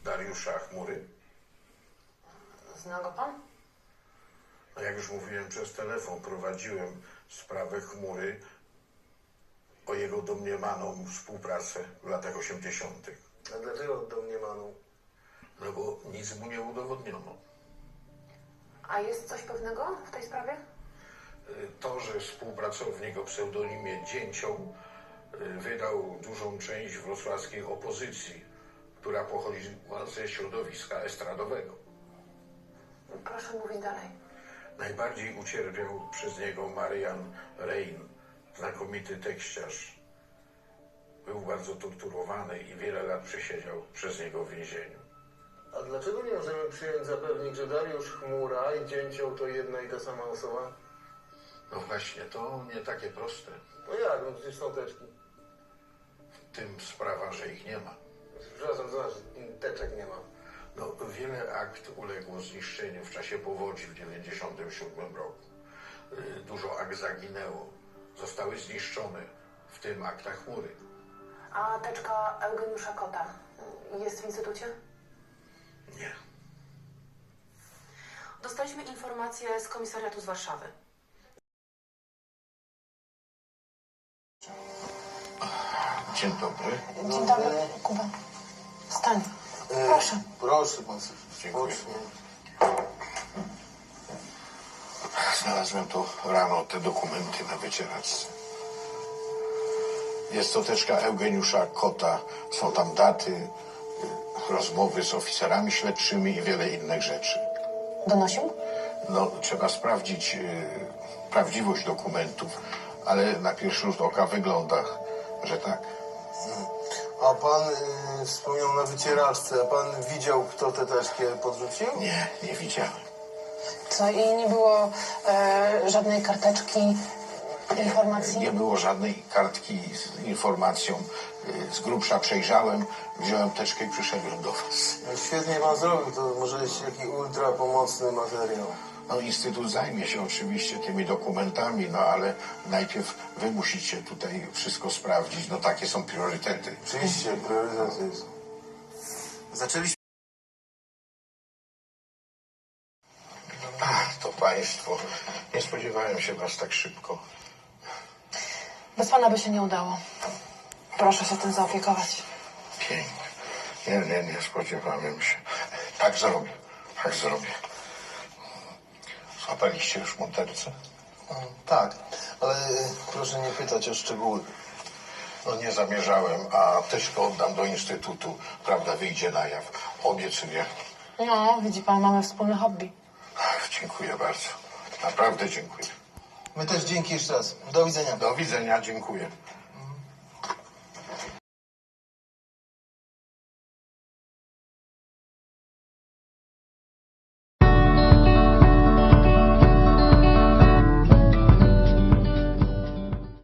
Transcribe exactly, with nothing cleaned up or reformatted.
Dariusza Chmury? Zna go pan? No jak już mówiłem przez telefon, prowadziłem sprawę Chmury o jego domniemaną współpracę w latach osiemdziesiątych. A dlaczego domniemaną? No bo nic mu nie udowodniono. A jest coś pewnego w tej sprawie? To, że współpracownik o pseudonimie Dzięcioł wydał dużą część wrocławskiej opozycji, która pochodziła ze środowiska estradowego. Proszę mówić dalej. Najbardziej ucierpiał przez niego Marian Rein, znakomity tekściarz. Był bardzo torturowany i wiele lat przesiedział przez niego w więzieniu. A dlaczego nie możemy przyjąć za pewnik, że Dariusz Chmura i Dzięcioł to jedna i ta sama osoba? No właśnie, to nie takie proste. No jak? No przecież są teczki. W tym sprawa, że ich nie ma. Przepraszam, to znaczy, teczek nie ma. No, wiele akt uległo zniszczeniu w czasie powodzi w dziewięćdziesiątym siódmym roku. Dużo akt zaginęło. Zostały zniszczone, w tym akta Chmury. A teczka Eugeniusza Kota jest w instytucie? Nie. Dostaliśmy informację z komisariatu z Warszawy. Dzień dobry. Dzień dobry, Kuba. Stań. Proszę. Proszę pan sobie. Dziękuję. Spocznie. Znalazłem tu rano te dokumenty na wycieraczce. Jest to teczka Eugeniusza Kota. Są tam daty, y, rozmowy z oficerami śledczymi i wiele innych rzeczy. Donosił? No, trzeba sprawdzić y, prawdziwość dokumentów, ale na pierwszy rzut oka wygląda, że tak. A pan y, wspomniał na wycieraczce, a pan widział, kto tę teczkę podrzucił? Nie, nie widziałem. Co, i nie było e, żadnej karteczki, informacji? Nie było żadnej kartki z informacją. Y, Z grubsza przejrzałem, wziąłem teczkę i przyszedłem do was. No, świetnie pan zrobił, to może jest jakiś ultra pomocny materiał. No, Instytut zajmie się oczywiście tymi dokumentami, no ale najpierw wy musicie tutaj wszystko sprawdzić. No takie są priorytety. Oczywiście, priorytet jest. Zaczęliśmy... Ach, to państwo. Nie spodziewałem się was tak szybko. Bez pana by się nie udało. Proszę się tym zaopiekować. Pięknie. Nie, nie, nie spodziewałem się. Tak zrobię. Tak zrobię. Złapaliście już mordercę? Tak, ale proszę nie pytać o szczegóły. No nie zamierzałem, a teczkę oddam do instytutu. Prawda wyjdzie na jaw. Obiecuję. No, widzi pan, mamy wspólne hobby. Ach, dziękuję bardzo. Naprawdę dziękuję. My też dzięki jeszcze raz. Do widzenia. Do widzenia, dziękuję.